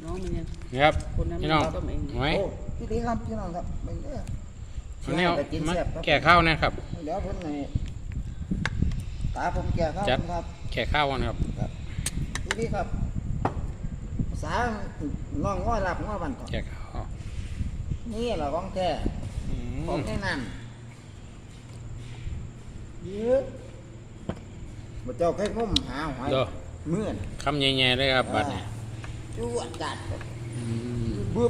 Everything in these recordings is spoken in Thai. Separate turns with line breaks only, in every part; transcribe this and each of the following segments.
น้องมันยัง
นี่ครับ
คนนั้น
พี่น้อง
ต้มเอง
หอย
โอ้พี่ดีครับพี่น้องครับไม่เด้อ
อันนี้เอา
ไปกิน
มา
แซ่บครับ
แก่ข้าวนะครับ
เดี๋ยวผมให้ตาผมแก่ข้าว
จัด
ครับ
แก่ข้าวนะครับ
พี่ดีครับภาษาน้องง้อหลับง้อบันก่อน
แก่ข้าว
นี่แหละของแท้
อื
ของ
ม
แน่นอนเยอะบ่เจ้าเคยงมหาหอย
เด้อ
เมื่อน
คำใหญ่ๆเลยครับบัดนี้
จวดจัด
อืม
บึ๊บ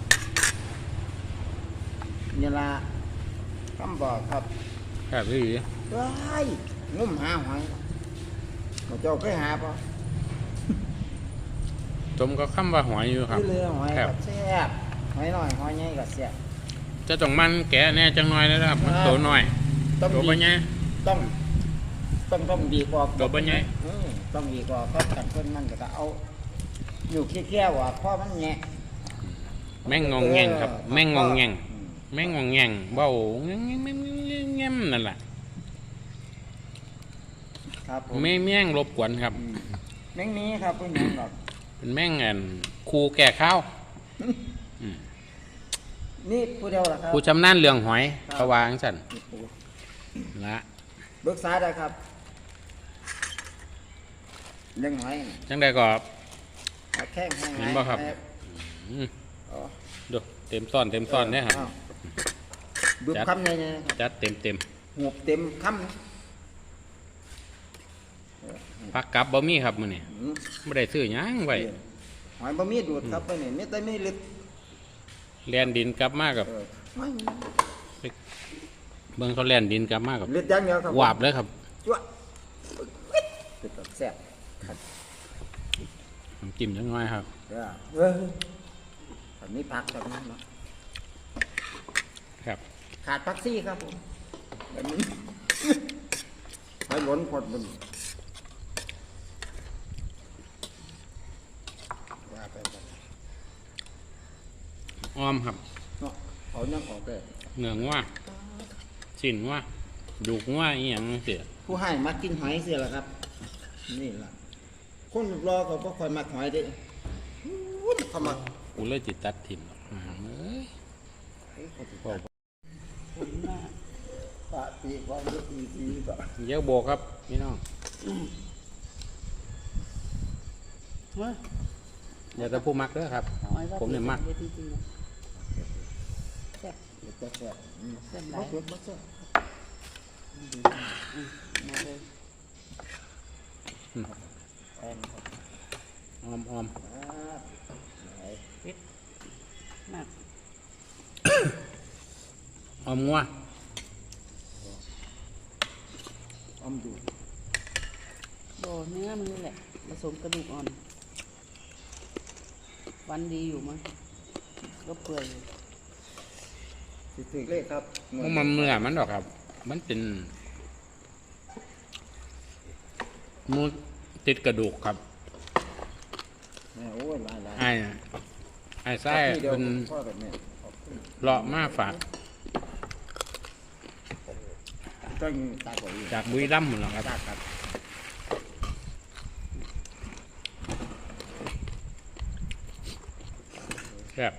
นี่ละคำบอกครับ
ครับพี่
เฮ้ยงมหาหอยบ่เจ้าเคยหาปะ
จมก็คำว่าหอยอยู่ครับ
ที่เรือหอย
ครั
กับ แซ่บหอยน้อยหอยใหญ่กับแซ่บ
จะต้องมันแก่แน่จังหน่อยนะครับมัน
ครับ
โตหน่อย
ต้อง
โต
ดี
ไปไง
ต้องดีกว่า
ตัวเป็นไง
ต้องดีกว่าเพราะกันเพิ่นมันก็เอาอยู่เคี้ยวๆว่าเพราะมันแงะ
แม่งงองแงงครับ แม่งงองแงง
อืม
แม่งงองแงงเบ้าแง่งแง่งแง่งนั่นแหละ
ครับผม
แม่งรบกวนครับ
แมงนี้ครับเพิ่นยังแบบ
เป็นแม่งอันครูแก่ข้าวอืม
นี่ผู้เดียวล่ะครับ
ผู้ชำนาญเรื่องหอย
ครับ
เขาวาจั่งสั่น
นี่ผู้
ละ
เบิกษาได้ครับเลี้ยงหอยน่ะ
จังได้ก็
เอาแข้งให้
เห็นบ่ครับ
ให้
อืม
อ๋อ
ดูเต็มซ่อนเต็มซ่อนเนี่ยครับ
อ้าวบึบ
จัด
คำใหญ่ๆครับ
จัดเต็มเต็ม
หูบเต็มคำ
พักกลับบ่มีครับมื้อนี้
อืม
ไม่ได้ซื้อหยังไว้
หอยบะหมี่ดูดครับไปนี่ไม่ได้ไม่ลึก
แล่นดินกลับมากับ
ไม่
เบิ่งเขาแล่นดินกลับมากับ
ลึกอยังเดียวครับ
วาบเลยครับ
จ้วะเป็นแบบแซ่บครับ
น้ำจิ้มจังน้อยครับ
เออแบบนี้ผักแบบนั้นเนาะ
ครับ
ขาดผักซี่ครับผมแบบนี้หอยหล้นพดบนว่าไปแบบ
อ้อมครับ
เนาะเอายังออกได้
เนื้องัวชิ้นงัวดูกงัวอีหยังเสีย
ผู้ให้มากินหอยเสียละครับ นี่ล่ะคนรอเขาก็คอยมาหอยเด้อู้ยเขามา
กูเลยจิตตัดถิ่มหรอกเอ้ย
ผมน่ะ
ปะตีความรู้ตีก็
เยอะโบกครับพี่น้อง
เฮ้ย
อย่าแต่ผู้มักเด้อครับ
เอาไว้ว่า
ผมเนี่ยมัก
เวทีจริงๆนะแซ่บ
เดี๋ยวจะแซ่บ
แซ่บห
บ่
ลาย
เผ็ดบ่แซ่บ
มาเลย
แอนครับ
อ้อมอ้อม
ไหน
มาก
อ้อมงัว
อมดู
โบเนื้อมันนี่แหละผสมกระดูกอ่อน วันดีอยู่มั้งก็เปื่อยอยู่
สิถึกเลขครับ
มันเนื้อมันดอกครับ มันเป็นมูติดกระดูกครับ
แม่โอ้ยหลายหลาย
ไอ้ไส้
ที่เดียว
เป็น
พ่อแบบนี้
เลาะมาฝาก
ต้องตาก่อนอีก
จากบุรีรัมย์หมดแล้วครับ
ครับ
แซ่บ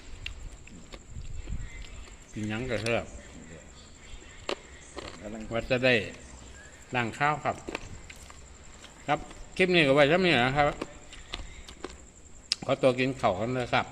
กินหยังก็แซ่บ
กำลัง
ว่าจะได้ล้างข้าวครับ ครับคลิปนี้ก็ไว้เท่านี้นะครับขอตัวกินข้าวกันเลยครับ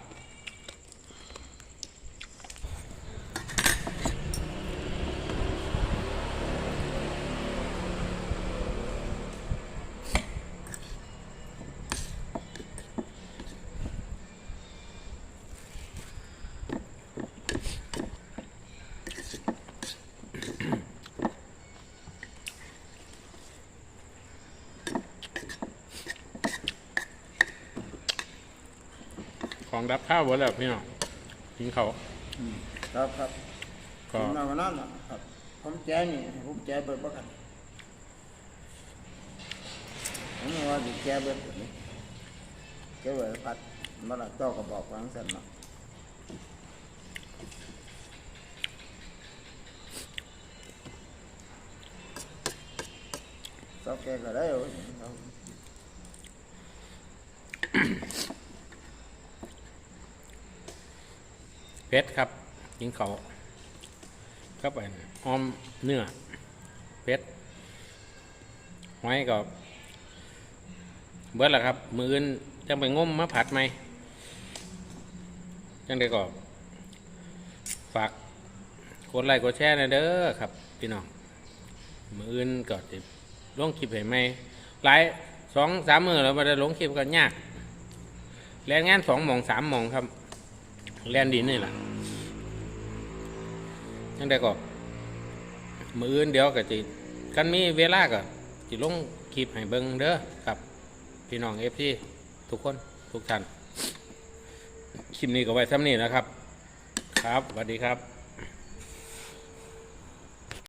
ของรับข้าวหมดแล้วพี่น้องกินข้าว
ครับครับ
ก็
ผมนอนนั่นน่ะครับผมแจ้นี่ผมแจ้เบิดบ่กันผมว่าสิแจ้เบิดแบบนี้แจ้เบิดพัดมาละเจ้าก็บอกวาจั่งซั่นเนาะเจ้าแกก็ได้เว้ย
เพชรครับกินเขาครับไปออมเนื้อเพชรหอยก็เบิดแหละครับมืออื่นจังไปงมมาผัดไหมจังได้ก็ฝากกดไลค์กดแชร์นะเด้อครับพี่น้องมืออื่นก็จะลงคลิปให้ไหมหลาย2-3 มื้อแล้วมาได้ลงคลิปกันยากแรงงาน2 หม่อง 3 หม่องครับแลนดินนี่แหละจังได้ก็มืออื่นเดี๋ยวก็จะกันมีเวลาก็จะลงคลิปให้เบิ่งเด้อครับพี่น้องFCทุกคนทุกท่านคลิปนี้ก็ไว้ซ้ำนี้นะครับครับสวัสดีครับ